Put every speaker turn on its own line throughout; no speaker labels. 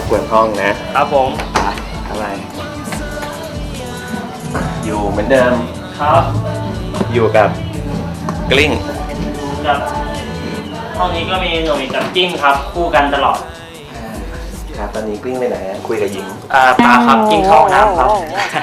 กวนห้องนะครับ
ผม
อะไรอยู่เหมือนเดิม
ครับ
อยู่กับกลิ้ง
กับห้องนี้ก็มีหนุ่ยกับกิ้งครับคู่กันตลอด
ครับตอนนี้กลิ้งไปไหนคุยกับหญิง
ปลาครับกิ้งเข้าน้ำครับ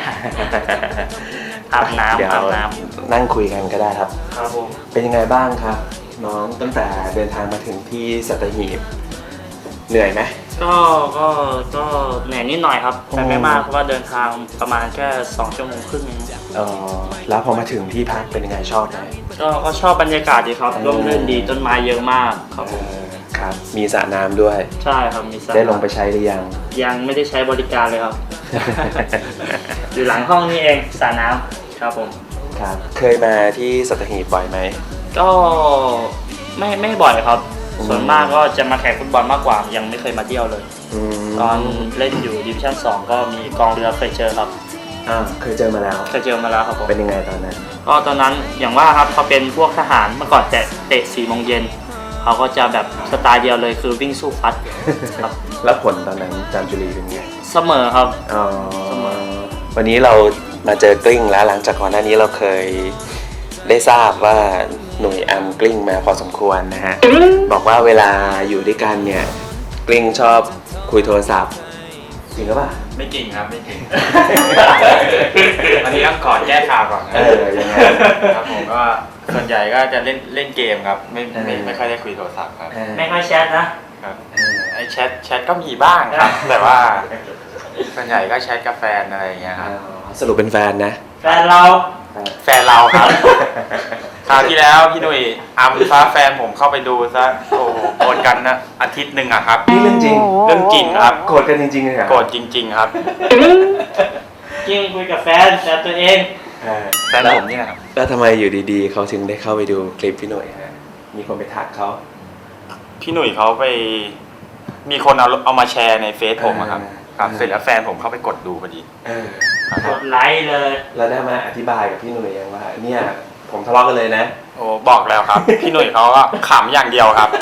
อาบน้ำ
นั่งคุยกันก็ได้ครับ
ครับผม
เป็นยังไงบ้างครับน้องตั้งแต่เดินทางมาถึงที่สัตหีบเหนื่อยไหม
ก็เหนื่อยนิดหน่อยครับแต่ไม่มากเพราะว่าเดินทางประมาณแค่2 ชั่วโมงครึ่ง
แล้วพอมาถึงที่พักเป็นยังไงชอบไหม
ก็ชอบบรรยากาศดีครับร่มรื่นดีต้นไม้เยอะมากครับผม
ครับมีสระน้ำด้วย
ใช่ครับมีสระ
ได้ลงไปใช้หรือ
ยังไม่ได้ใช้บริการเลยครับ อยู่หลังห้องนี่เองสระน้ำครับผม
ครับเคยมาที่สัตหีบบ่อยไหม
ก็ไม่บ่อยครับส่วนมากก็จะมาแข่งฟุตบอลมากกว่ายังไม่เคยมาเที่ยวเลยตอนเล่นอยู่ดิวิชั่น2ก็มีกองเรือเคยเจอครับ
เคยเจอมาแล้ว
ครับผม
เป็นยังไงตอนนั้น
ก็ตอนนั้นอย่างว่าครับเขาเป็นพวกทหารเมื่อก่อนเตะ4 โมงเย็นเขาก็จะแบบสไตล์เดียวเลยคือวิ่งสู้ฟัด
ครับแล้วผลตอนนั้นจามจุรีเป็นไง
เสมอครับ
เสมอวันนี้เรามาเจอกลิ้งแล้วหลังจากก่อนหน้านี้เราเคยได้ทราบว่าหนุ่ยอัมกลิ้งมาพอสมควรนะฮะบอกว่าเวลาอยู่ด้วยกันเนี่ยกลิ้งชอบคุยโทรศัพท์จริงหรือเปล่า
ไม่จริงครับไม่จริงอันนี้ต้องขอแก้ข่าวก่อน
ยังไง
ครับผมก็ส่วนใหญ่ก็จะเล่นเกมครับไม่ค่อยได้คุยโทรศัพท์ครับ
ไม่ค่อยแชทนะครับ
ไอแชทก็มีบ้างครับแต่ว่าส่วนใหญ่ก็แชทกับแฟนอะไรอย่างเงี้ยครับ
สรุปเป็นแฟนนะ
แฟนเรา
ครับคราวที่แล้วพี่หนุ่ยอัมฟ้าแฟนผมเข้าไปดูซะโอ้โกรธกันนะอาทิตย์หนึ่งอะครับ
นี่เรื่องจริง
ครับ
โกรธกันจริงๆเลยครับ
โกรธจริงๆครับ
จริงคุยกับแฟนแต่ตัวเอง
แฟนผมเนี่ยครับ
แล้วทำไมอยู่ดีๆเขาถึงได้เข้าไปดูคลิปพี่หนุ่ยฮะมีคนไปทักเขา
พี่หนุ่ยเขาไปมีคนเอามาแชร์ในเฟซผมครับเสร็จแล้วแฟนผมเข้าไปกดดูพอดี
กดไลค์เลย
แล้วได้มาอธิบายกับพี่หนุ่ยยังว่าเนี่ยผมทะเลาะกันเลยนะ
โอ้บอกแล้วครับ พี่หนุ่ยเขาก็ขำอย่างเดียวครับ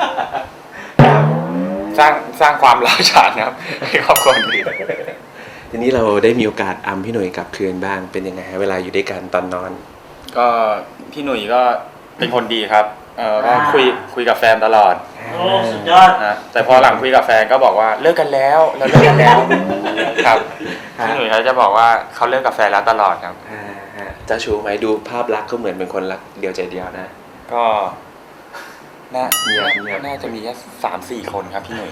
สร้างความร้าวฉานครับให้ครอบครัวดี
ทีนี้เราได้มีโอกาสอัมพี่หนุ่ยกลับคืนบ้างเป็นยังไงเวลาอยู่ด้วยกันตอนนอน
ก็พี่หนุ่ยก็เป็นคนดีครับก็คุยกับแฟนตลอด
โอ้สุดยอด
นะแต่พอหลังคุยกับแฟนก็บอกว่าเลิกกันแล้วเราเลิกกันแล้วครับพี่หนุ่ยเขาจะบอกว่าเขาเลิกกับแฟนแล้วตลอดครับ
เจ้าชู้ไหมดูภาพลักษณ์ก็เหมือนเป็นคนรักเดียวใจเดียวนะ
ก็น่าจะมีแค่3-4 คนครับพี่หนุ่ย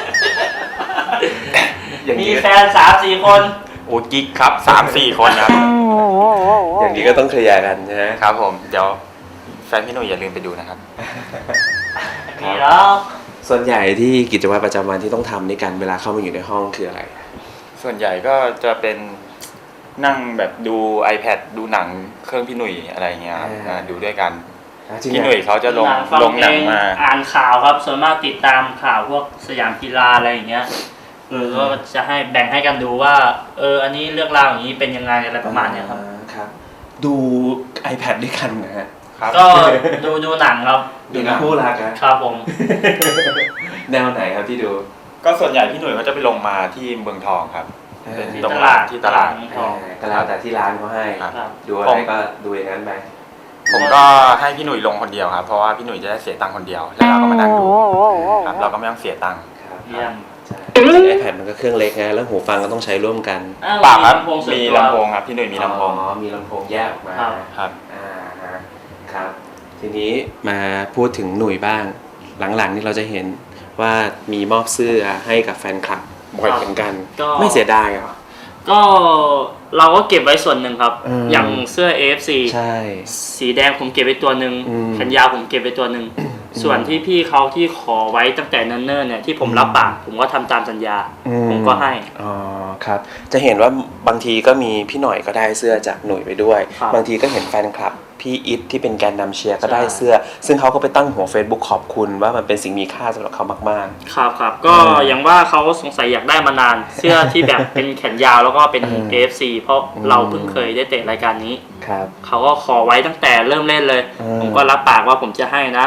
มีแฟน3-4 คน
โอ้กิ๊กครับ3-4 คนครับ
อย่างนี้ก็ต้องเคลียร์กันใช่ไหม
ครับผมเดี๋ยวแฟนพี่หนุ่ยอย่าลืมไปดูนะครับ
มีแล้ว
ส่วนใหญ่ที่กิจวัตรประจำวันที่ต้องทำในการเวลาเข้ามาอยู่ในห้องคืออะไร
ส่วนใหญ่ก็จะเป็นนั่งแบบดู iPad ดูหนังเครื่องพี่หนุ่ยอะไรเงี้ยดูด้วยกันพี่หนุ่ยเขาจะลงหนังมา
อ่านข่าวครับส่วนมากติดตามข่าวพวกสยามกีฬาอะไรอย่างเงี้ยก็จะให้แบ่งให้กันดูว่าอันนี้เรื่องราวอย่างนี้เป็นยังไงอะไรประมาณเนี้ยครับ
ดู iPad ด้วยกันนะฮะ
ก็ดูหนังครับ
ดูหนังคู่รัก
ครับผม
แนวไหนครับที่ดู
ก็ส่วนใหญ่พี่หนุ่ยเขาจะไปลงมาที่เมืองทองครับ
เป็นที่ตลาด
ก็แล้วแต่ที่ร้านเขาให้ดูอะไรก็ดูอย่างนั้นไป
ผมก็ให้พี่หนุ่ยลงคนเดียวครับเพราะว่าพี่หนุ่ยจะได้เสียตังค์คนเดียวแล้วเราก็มานั่งดูครับเราก็ไม่ต้องเสียตังค์
ไอแพดมันก็เครื่องเล็กไงแล้วหูฟังก็ต้องใช้ร่วมกัน
ปากครับมีลำโพงครับพี่หนุ่ยมีลำโพง
มีลำโพงแยกออกมา
ครับ
ครับทีนี้มาพูดถึงหนุ่ยบ้างหลังๆนี่เราจะเห็นว่ามีมอบเสื้อให้กับแฟนคลับบ่อยเหมือนกันไม่เสียดายเหรอ
ก็เราก็เก็บไว้ส่วนหนึ่งครับอย่างเสื้อ AFC
ใช่
สีแดงผมเก็บไว้ตัวหนึ่งแขนยาวผมเก็บไว้ตัวหนึ่งส่วนที่พี่เขาที่ขอไว้ตั้งแต่เนิ่นๆเนี่ยที่ผมรับปากผมก็ทำตามสัญญาผมก็ให้
ครับจะเห็นว่าบางทีก็มีพี่หน่อยก็ได้เสื้อจากหนุ่ยไปด้วยบางทีก็เห็นแฟนคลับพี่อิทที่เป็นแกนนำเชียร์ก็ได้เสื้อซึ่งเขาก็ไปตั้งหัว Facebook ขอบคุณว่ามันเป็นสิ่งมีค่าสำหรับเขามาก
ๆครับก็อย่างว่าเขาสงสัยอยากได้มานานเสื้อที่แบบเป็นแขนยาวแล้วก็เป็น AFC เพราะเราเพิ่งเคยได้เตะรายการนี้เขาก็ขอไว้ตั้งแต่เริ่มเล่นเลยผมก็รับปากว่าผมจะให้นะ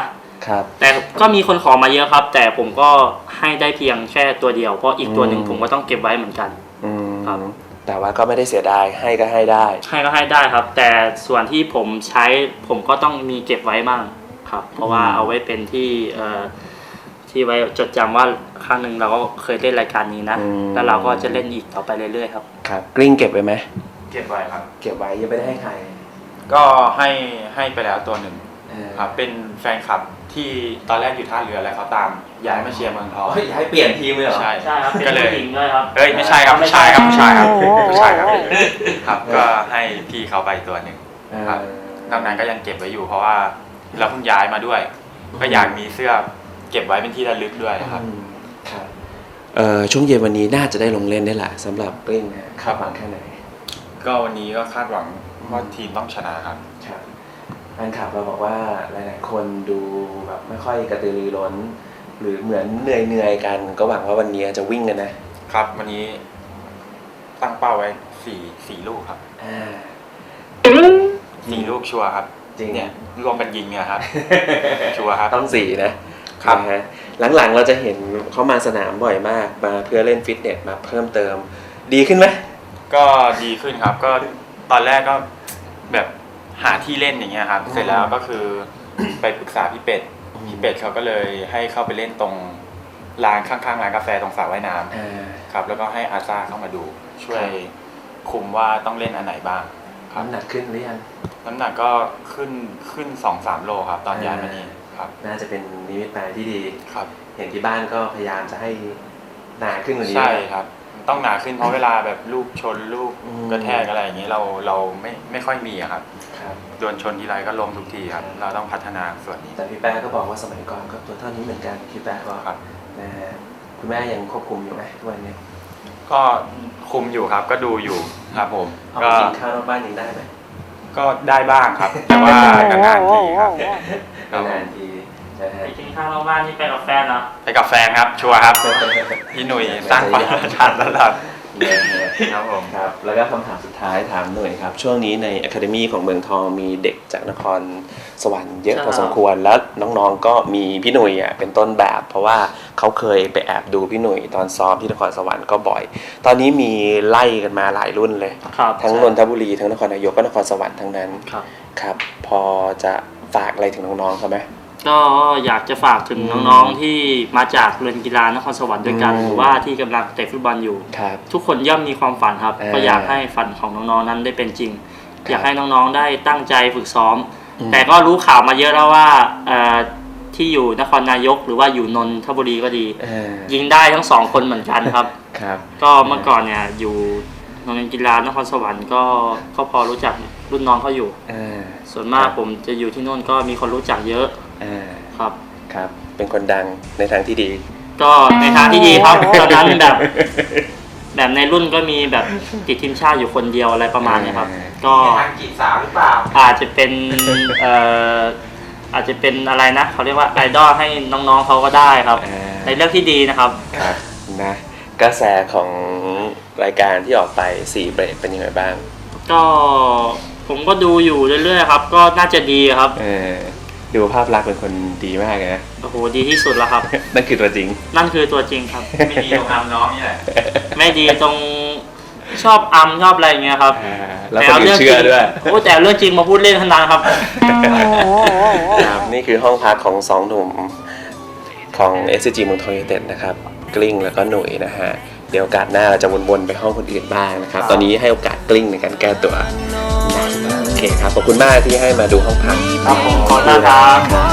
ครับ
แต่ก็มีคนขอมาเยอะครับ แต่ผมก็ให้ได้เพียงแค่ตัวเดียวเพราะอีกตัวหนึ่งผมก็ต้องเก็บไว้เหมือนกัน ครับ
แต่ว่าก็ไม่ได้เสียดายให้ก็ให้ได้
ให้ก็ให้ได้ครับ แต่ส่วนที่ผมใช้ผมก็ต้องมีเก็บไว้บ้างครับ เพราะว่าเอาไว้เป็นที่ที่ไว้จดจำว่าครั้งหนึ่งเราก็เคยเล่นรายการนี้นะ แล้วเราก็จะเล่นอีกต่อไปเรื่อยๆครับ
ครับกลิ้งเก็บไว้ไหม
เก็บไว้ครับ
เก็บไว้ยังไม่ได้ให้ใคร
ก็ให้ไปแล้วตัวหนึ่งครับเป็นแฟนคลับที่ตอนแรกอยู่ท่าเรือแล้วเขาตามย้ายมาเชียร์เมืองทอง
ย้ายเปลี่ยนทีมเลยเหรอ
ใช่
ใช่ครับเป็น
ก็เลย
ผู้หญิงด้วยครับ
เอ้ยไม่ใช่ครับผู้ชายครับผู้ชายครับผู้ชายครับครับก็ให้พี่เขาไปตัวหนึ่งครับนอกนั้นก็ยังเก็บไว้อยู่เพราะว่าเราเพิ่งย้ายมาด้วย ก็อยากมีเสื้อเก็บไว้เป็นที่ระลึกด้วยครับ
ครับช่วงเย็นวันนี้น่าจะได้ลงเล่นได้แหละสำหรับกลิ้งนะคาดหวังแค่ไหน
ก็วันนี้ก็คาดหวังว่าทีมต้องชนะครับ
ครับแฟนคลับเราบอกว่าหลายๆคนดูแบบไม่ค่อยกระตือรือร้น หรือเหมือนเหนื่อยกัน ก็หวังว่าวันนี้จะวิ่งกันนะครับ
วันนี้ตั้งเป้าไว้สี่ลูกครับ 4 ลูกชัวร์ครับ
จริง
เนี่ยรวมกันยิงเนี่ยครับ ชัวร์ครับ
ต้อง4นะครับ นะฮะหลังๆเราจะเห็นเขามาสนามบ่อยมากมาเพื่อเล่นฟิตเนสมาเพิ่มเติม ดีขึ้นไหม
ก็ดีขึ้นครับ ก็ตอนแรกก็แบบหาที่เล่นอย่างเงี้ยครับ เสร็จแล้วก็คือ ไปปรึกษาพี่เป็ดเขาก็เลยให้เข้าไปเล่นตรงร้านข้างๆร้านกาแฟตรงสระว่ายน้ำครับแล้วก็ให้อาซาเข้ามาดูช่วยคุมว่าต้องเล่นอันไหนบ้างครับ
น้ำหนักขึ้นหรือยัง
น้ำหนักก็ขึ้น 2-3 โลครับตอนย้ายมานี่ครับ
น่าจะเป็นนิมิตหมายที่ดี
ครับ
เห็นที่บ้านก็พยายามจะให้หนาขึ้นกว่านี้
ใช่ครับ ต้องหนาขึ้นเพราะเวลาแบบลูกชนลูก
อืม
กระแทกอะไรอย่างนี้เราไม่ค่อยมีอะครับ
ครับ
โดนชนทีไรก็ล้มทุกทีครับ เราต้องพัฒนาส่วนนี้
แต่พี่แป๊ะก็บอกว่าสมัยก่อนก็ตัวเท่านี้เหมือนกันพี่แป๊ะก็
ครับ
นะฮะคุณแม่ยังควบคุมอยู่ไหมทุกวันนี้
ก็คุมอยู่ครับก็ดูอยู่ครับผม
เอา
ก็
ไปกินข้าวนอกบ้านยังได้ไหม
ก็ได้บ้างครับ แต่ว่านานๆทีครับครับผม
นานๆทีนะฮะ
ไปกินข้าวนอกบ้านนี่ไปกับแฟนเนาะ
ไปกับแฟนครับชัวร์ครับพี่หนุ่ยสร้างความประทับตลอด ครับผม
ครับ แล้วก็คำถามสุดท้ายถามหน่อยครับ ช่วงนี้ใน Academy ของเมืองทองมีเด็กจากนครสวรรค์เยอะพอสมควร แล้วน้องๆก็มีพี่หนุ่ยเป็นต้นแบบ เพราะว่าเขาเคยไปแอบดูพี่หนุ่ยตอนซ้อมที่นครสวรรค์ก็บ่อย ตอนนี้มีไล่กันมาหลายรุ่นเลย
ครับ
ทั้งนนทบุรีทั้งนครนายกก็นครสวรรค์ทั้งนั้น
ครับ
ครับ พอจะฝากอะไรถึงน้องๆเขาไหม
ก็อยากจะฝากถึงน้องๆที่มาจากเรือนกีฬานครสวรรค์ด้วยกัน
อืม
หรือว่าที่กำลังเตะฟุตบอลอยู่
ครับ
ทุกคนย่อมมีความฝันครับ ก็อยากให้ฝันของน้องๆนั้นได้เป็นจริง อยากให้น้องๆได้ตั้งใจฝึกซ้อม แต่ก็รู้ข่าวมาเยอะแล้วว่าที่อยู่นครนายกหรือว่าอยู่นนทบุรีก็ดี ยิงได้ทั้ง2 คนเหมือนกันครับ
ครับ
ก็เมื่อก่อนเนี่ยอยู่โรงเรียนกีฬานครสวรรค์ก็พอรู้จักรุ่นน้องเขาอยู่ ส่วนมากผมจะอยู่ที่โน่นก็มีคนรู้จักเยอะครับ
ครับ เป็นคนดังในทางที่ดี
ก็ในทางที่ดีครับ ตอนนั้นแบบในรุ่นก็มีแบบติดทีมชาติอยู่คนเดียวอะไรประมาณนี้ครับ ก็
ทางจีบสาวหรือเปล่า
อาจจะเป็นอาจจะเป็นอะไรนะเขาเรียกว่าไอดอลให้น้องๆเขาก็ได้ครับ ในเรื่องที่ดีนะครับ
ครับนะกระแสของรายการที่ออกไป4เบรกเป็นยังไงบ้าง
ก็ผมก็ดูอยู่เรื่อยๆครับ ก็น่าจะดีครับ
ดูภาพลักษณ์เป็นคนดีมากนะ
โอ้โหดีที่สุดแล้วครับ
นั่นคือตัวจริง
นั่นคือตัวจริงครับ
ไม่ดีตรงน้ำน้องนี่แหละ
ไม่ดีตรงชอบชอบอะไรอย่างเงี้ยครับ
แล้วคนอื่นเชื่อด้วย
โอ้แต่เรื่องจริงมาพูดเล่นขนาดครับ
ครับนี่คือห้องพักของ2หนุ่มของ SCG เมืองทองยูไนเต็ดนะครับกลิ้งแล้วก็หนุ่ยนะฮะเดี๋ยวโอกาสหน้าเราจะวนๆไปห้องคนอื่นบ้างนะครับ ตอนนี้ให้โอกาสกลิ้งในการแก้ตัวโอเคครับขอบคุณมากที่ให้มาดูห้องพัก
ครับผมขอบคุณครับ